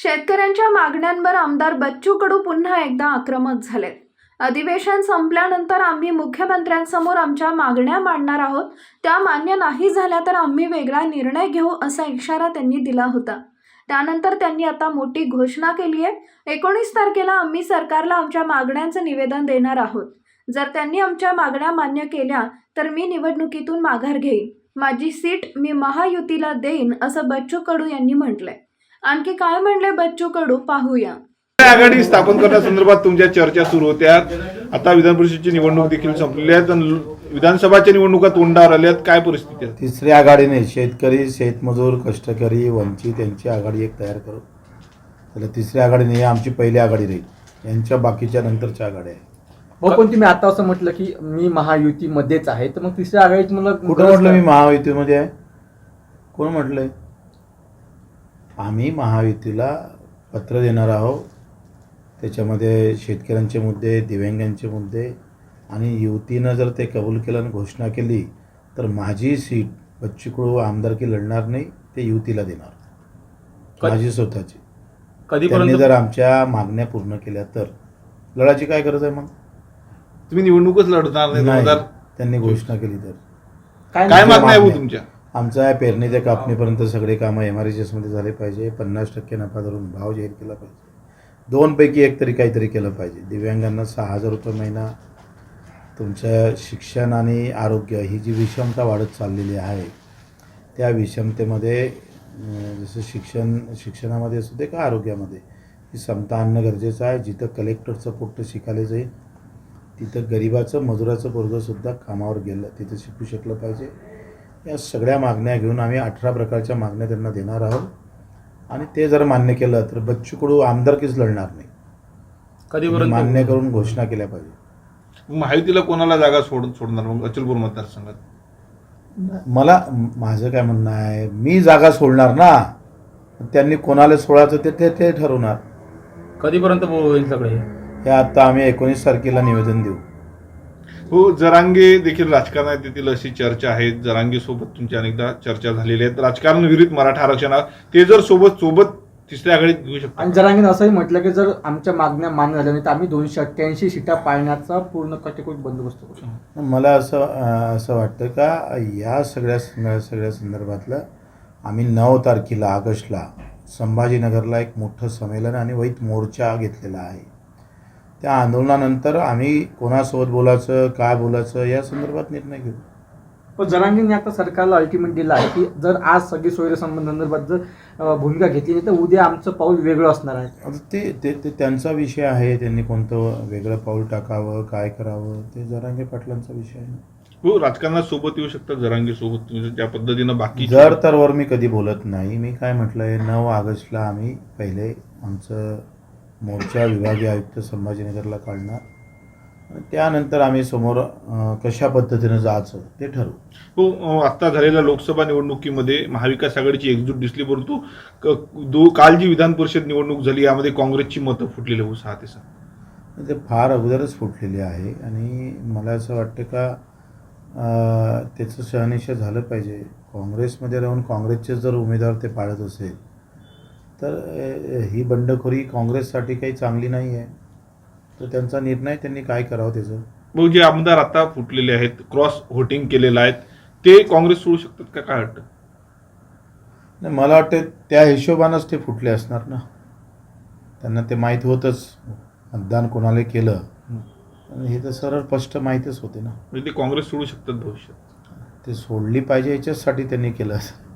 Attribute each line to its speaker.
Speaker 1: शेतकऱ्यांच्या मागण्यांवर आमदार बच्चू कडू पुन्हा एकदा आक्रमक झालेत. अधिवेशन संपल्यानंतर आम्ही मुख्यमंत्र्यांसमोर आमच्या मागण्या मांडणार आहोत. त्या मान्य नाही झाल्या तर आम्ही वेगळा निर्णय घेऊ असा इशारा त्यांनी दिला होता. त्यानंतर त्यांनी आता मोठी घोषणा केली आहे. 19 तारखेला आम्ही सरकारला आमच्या मागण्यांचं निवेदन देणार आहोत. जर त्यांनी आमच्या मागण्या मान्य केल्या तर मी निवडणुकीतून माघार घेईन. माझी सीट मी महायुतीला देईन असं बच्चू कडू यांनी म्हटलंय. आणखी काय म्हणले बच्चू कडू पाहूया.
Speaker 2: आघाडी स्थापन करण्यासंदर्भात तुमच्या चर्चा सुरू होत्या. आता विधान परिषदेची निवडणूक देखील संपलेली आहे आणि विधानसभाच्या निवडणुका तोंडावर आल्यात. काय परिस्थिती आहे?
Speaker 3: तिसरी आघाडीने शेतकरी, शेतमजूर, कष्टकरी, वंचित यांची आघाडी एक तयार करू. त्याला तिसरी आघाडी नाही, आमची पहिली आघाडी राहील. यांच्या बाकीच्या नंतरच्या आघाड्या आहे.
Speaker 4: हो, पण तुम्ही आता असं म्हटलं की मी महायुतीमध्येच आहे, तर मग तिसऱ्या आघाडीत मला
Speaker 3: कुठं म्हटलं मी महायुतीमध्ये आहे? कोण म्हटलंय? आम्ही महायुतीला पत्र देणार आहोत. त्याच्यामध्ये शेतकऱ्यांचे मुद्दे, दिव्यांगांचे मुद्दे आणि युतीनं जर ते कबूल केलं आणि घोषणा केली तर माझी सीट बच्चू कडू आमदारकी लढणार नाही, ते युतीला देणार, माझी स्वतःची. त्यांनी जर आमच्या मागण्या पूर्ण केल्या तर लढायची काय गरज आहे? मग
Speaker 2: तुम्ही निवडणूकच लढणार नाही.
Speaker 3: त्यांनी घोषणा केली तर
Speaker 2: काय मागण्या आहे तुमच्या?
Speaker 3: आमचा पेरणी ते कापणीपर्यंत सगळे कामं MRHS मध्ये झाले पाहिजे. 50% नफा धरून भाव जाहीर केला पाहिजे. 2 पैकी एक तरी काहीतरी केलं पाहिजे. दिव्यांगांना 6,000 रुपये महिना. तुमचं शिक्षण आणि आरोग्य ही जी विषमता वाढत चाललेली आहे त्या विषमतेमध्ये जसं शिक्षणामध्ये असू दे का आरोग्यामध्ये ही समता आणणं गरजेचं आहे. जिथं कलेक्टरचं पोट्ट शिकायला जाईल तिथं गरिबाचं, मजुराचं पोरगंसुद्धा कामावर गेलं तिथं शिकू शकलं पाहिजे. या सगळ्या मागण्या घेऊन आम्ही 18 प्रकारच्या मागण्या त्यांना देणार आहोत आणि ते जर मान्य केलं तर बच्चू कडू आमदारकीच लढणार नाही.
Speaker 4: कधीपर्यंत
Speaker 3: मान्य करून घोषणा केल्या पाहिजे.
Speaker 2: महायुतीला कोणाला जागा सोडणार मग अचलपूर मतदारसंघात?
Speaker 3: माझं काय म्हणणं आहे, मी जागा सोडणार ना, त्यांनी कोणाला सोडायचं ते ठरवणार.
Speaker 4: कधीपर्यंत होईल सगळे
Speaker 3: हे आता आम्ही 19 तारखेला निवेदन देऊ.
Speaker 2: हो, जरांगे देखील राजकारणात येतील अशी चर्चा आहे. जरांगे सोबत तुमची अनेकदा चर्चा झालेली आहे. राजकारण विरुद्ध मराठा आरक्षण ते जर सोबत तिसऱ्या आघाडीत घेऊ शकतो.
Speaker 4: आणि जरांगेनं असंही म्हटलं की जर आमच्या मागण्या मान्य झाल्या नाही तर आम्ही 288 सीटा पाळण्याचा पूर्ण कटेकोट बंदोबस्त करू.
Speaker 3: मला असं वाटतं का या सगळ्या संदर्भातलं आम्ही 9 तारखेला ऑगस्टला संभाजीनगरला एक मोठं संमेलन आणि वैत मोर्चा घेतलेला आहे. त्या आंदोलनानंतर आम्ही कोणासोबत बोलायचं, काय बोलायचं या संदर्भात निर्णय घेऊ.
Speaker 4: पण जरांगेंनी आता सरकारला अल्टिमेट दिला आहे की जर आज सगळी सोयीसंबंधांसंदर्भात जर भूमिका घेतली नाही तर उद्या आमचं पाऊल वेगळं असणार आहे.
Speaker 3: आता ते त्यांचा विषय आहे. त्यांनी कोणतं वेगळं पाऊल टाकावं, काय करावं ते जरांगे पाटलांचा विषय आहे.
Speaker 2: हो, राजकारणात सोबत येऊ शकतात जरांगे सोबत त्या पद्धतीनं. बाकी
Speaker 3: तर वर मी कधी बोलत नाही. मी काय म्हटलंय, 9 ऑगस्टला आम्ही पहिले आमचं मोर्चा विभागीय आयुक्त संभाजीनगरला काढणार आणि त्यानंतर आम्ही समोर कशा पद्धतीनं जायचं ते ठरवू.
Speaker 2: हो, आता झालेल्या लोकसभा निवडणुकीमध्ये महाविकास आघाडीची एकजूट दिसली, परंतु काल जी विधान परिषद निवडणूक झाली यामध्ये काँग्रेसची मतं फुटलेली हो 6 ते 7.
Speaker 3: ते फार अगोदरच फुटलेली आहे आणि मला असं वाटतं का त्याचं शहानिशा झालं पाहिजे. काँग्रेसमध्ये राहून काँग्रेसचे जर उमेदवार ते पाळत असेल तर ही बंडखोरी काँग्रेससाठी काही चांगली नाही आहे. तर त्यांचा निर्णय त्यांनी काय करावं त्याचं.
Speaker 2: मग जे आमदार आता फुटलेले आहेत, क्रॉस व्होटिंग केलेलं आहेत, ते काँग्रेस सोडू शकतात का? काय वाटतं?
Speaker 3: नाही, मला वाटतं त्या हिशोबानंच ते फुटले असणार ना. त्यांना ते माहीत होतंच मतदान कोणाला केलं आणि हे तर सरळ स्पष्ट माहीतच होते ना.
Speaker 2: म्हणजे ते काँग्रेस सोडू शकतात भविष्यात.
Speaker 3: ते सोडली पाहिजे याच्यासाठी त्यांनी केलं असं.